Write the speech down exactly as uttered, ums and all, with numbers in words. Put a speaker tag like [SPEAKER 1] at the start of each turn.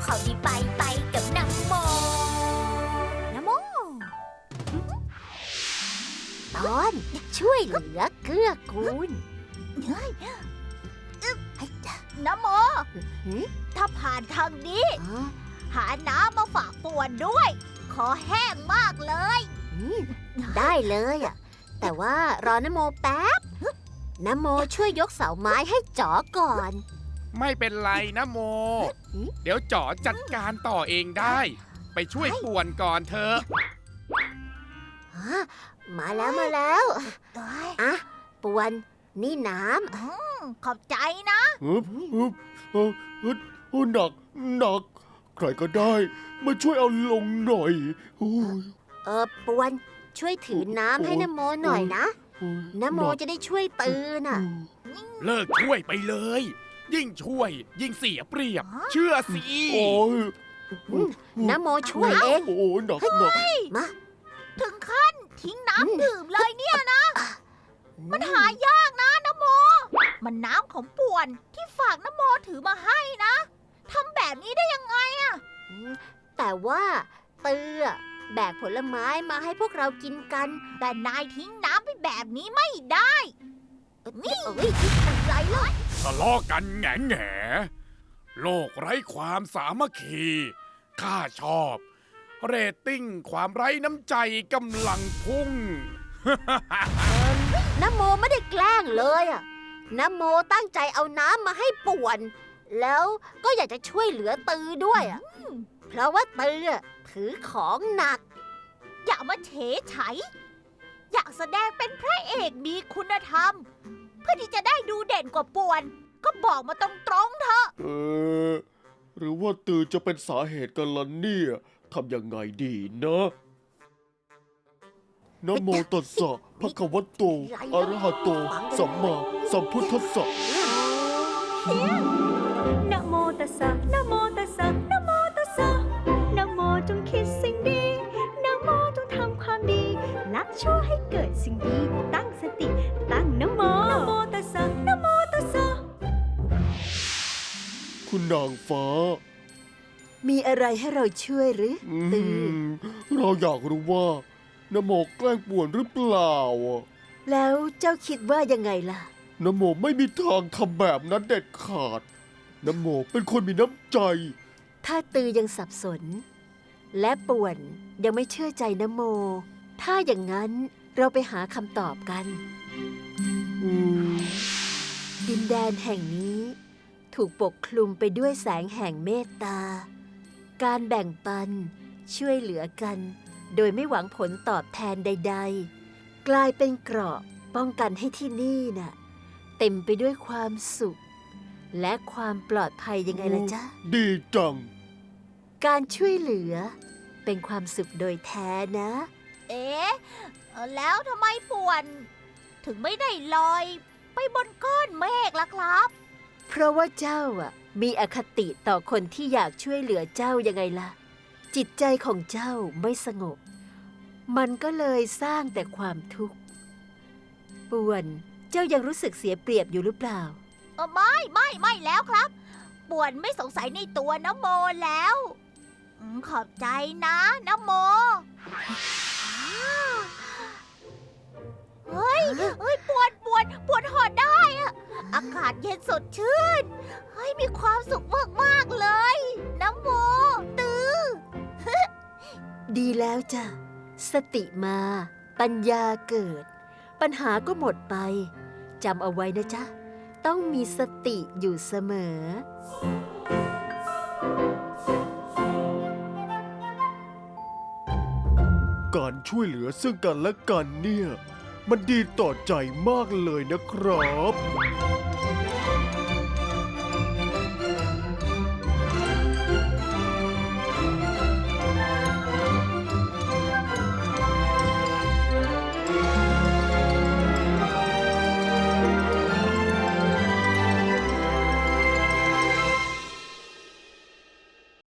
[SPEAKER 1] เขาดีไปไปกับนะโมนะโม
[SPEAKER 2] ตอนช่วยเหลือเกื้อกูล
[SPEAKER 1] นะโมถ้าผ่านทางนี้ หาน้ำมาฝากป่วนด้วย ขอแห้งมากเลย
[SPEAKER 2] ได้เลยอ่ะแต่ว่ารอนโมแป๊บนโมช่วยยกเสาไม้ให้จ๋อก่อน
[SPEAKER 3] ไม่เป็นไรนะโม เดี๋ยวจ๋อจัดการต่อเองได้ ไปช่วยป่วนก่อนเถอะ
[SPEAKER 2] มาแล้วมาแล้วอ่ะป่วนนี่น้
[SPEAKER 1] ำขอบใจนะ
[SPEAKER 4] ฮึบฮึบเออเออหนักหนักใครก็ได้มาช่วยเอาลงหน่อย
[SPEAKER 2] เออป่วนช่วยถือน้ำให้นโมหน่อยนะนโมจะได้ช่วยตื่นน่ะ
[SPEAKER 3] เลิกช่วยไปเลย ยิ่งช่วยยิ่งเสียเปรียบเชื่อสิ
[SPEAKER 4] โอ้ย
[SPEAKER 2] นโมช่วยเอง
[SPEAKER 4] โอ้ยหนักหนัก
[SPEAKER 2] มา
[SPEAKER 1] ถึงขั้นทิ้งน้ำดื่มเลยเนี่ยนะ มันหายากนะนโมมันน้ำของป่วนที่ฝากนโมถือมาให้นะทำแบบนี้ได้ยังไงอะ
[SPEAKER 2] แต่ว่าเตือแบกผลไม้มาให้พวกเรากินกัน
[SPEAKER 1] แต่นายทิ้งน้ำไปแบบนี้ไม่ได้นี่อะไรเลย
[SPEAKER 3] ทะเลาะกันแง่แง่โลกไร้ความสามัคคีข้าชอบเรตติ้งความไร้น้ำใจกำลังพุ่ง
[SPEAKER 2] นโมไม่ได้แกล้งเลยอ่ะนโมตั้งใจเอาน้ำมาให้ป่วนแล้วก็อยากจะช่วยเหลือตือด้วยอ่ะเพราะว่าตือถือของหนัก
[SPEAKER 1] อย่ามาเฉยไฉอยากแสดงเป็นพระเอกมีคุณธรรมเพื่อที่จะได้ดูเด่นกว่าป่วนก็บอกมาตรงๆเถอะ
[SPEAKER 4] เออหรือว่าตือจะเป็นสาเหตุกันล่ะเนี่ยทำยังไงดีนะนะโมตัสสะภะคะวะโตอะระหะโตสัมมาสัมพุทธัสสะ
[SPEAKER 5] นะโมตัสสะนะโมตัสสะนะโมตัสสะนะโมจงคิดสิ่งดีนะโมจงทำความดีละชั่วให้เกิดสิ่งดีตั้งสติตั้งนะโมนะโมตัสสะนะโมตัสสะ
[SPEAKER 4] คุณนางฟ้า
[SPEAKER 2] มีอะไรให้เราช่วยหรือตือ
[SPEAKER 4] เราอยากรู้ว่านโมแกล้งป่วนหรือเปล่า
[SPEAKER 2] แล้วเจ้าคิดว่ายังไงล่ะ
[SPEAKER 4] นโมไม่มีทางทำแบบนั้นเด็ดขาดนโมเป็นคนมีน้ำใจ
[SPEAKER 2] ถ้าตือยังสับสนและป่วนยังไม่เชื่อใจนโมถ้าอย่างนั้นเราไปหาคำตอบกันดินแดนแห่งนี้ถูกปกคลุมไปด้วยแสงแห่งเมตตาการแบ่งปันช่วยเหลือกันโดยไม่หวังผลตอบแทนใดๆกลายเป็นเกราะป้องกันให้ที่นี่น่ะเต็มไปด้วยความสุขและความปลอดภัยยังไงล่ะจ๊ะ
[SPEAKER 4] ดีจัง
[SPEAKER 2] การช่วยเหลือเป็นความสุขโดยแท้นะ
[SPEAKER 1] เอ๊ะแล้วทำไมป่วนถึงไม่ได้ลอยไปบนก้อนเมฆล่ะครับ
[SPEAKER 2] เพราะว่าเจ้าอ่ะมีอคติต่อคนที่อยากช่วยเหลือเจ้ายังไงล่ะจิตใจของเจ้าไม่สงบมันก็เลยสร้างแต่ความทุกข์ป่วนเจ้ายังรู้สึกเสียเปรียบอยู่หรือเปล่า
[SPEAKER 1] เออไม่ไม่ไม่แล้วครับป่วนไม่สงสัยในตัวนโมแล้วขอบใจนะนโมเฮ้ยเฮ้ยปวดปวดปวดหอดได้อะอากาศเย็นสดชื่นเฮ้ยมีความสุขมากๆเลยนโมตือ
[SPEAKER 2] ดีแล้วจ้ะสติมาปัญญาเกิดปัญหาก็หมดไปจำเอาไว้นะจ๊ะต้องมีสติอยู่เสมอ
[SPEAKER 4] การช่วยเหลือซึ่งกันและกันเนี่ยมันดีต่อใจมากเลยนะครับ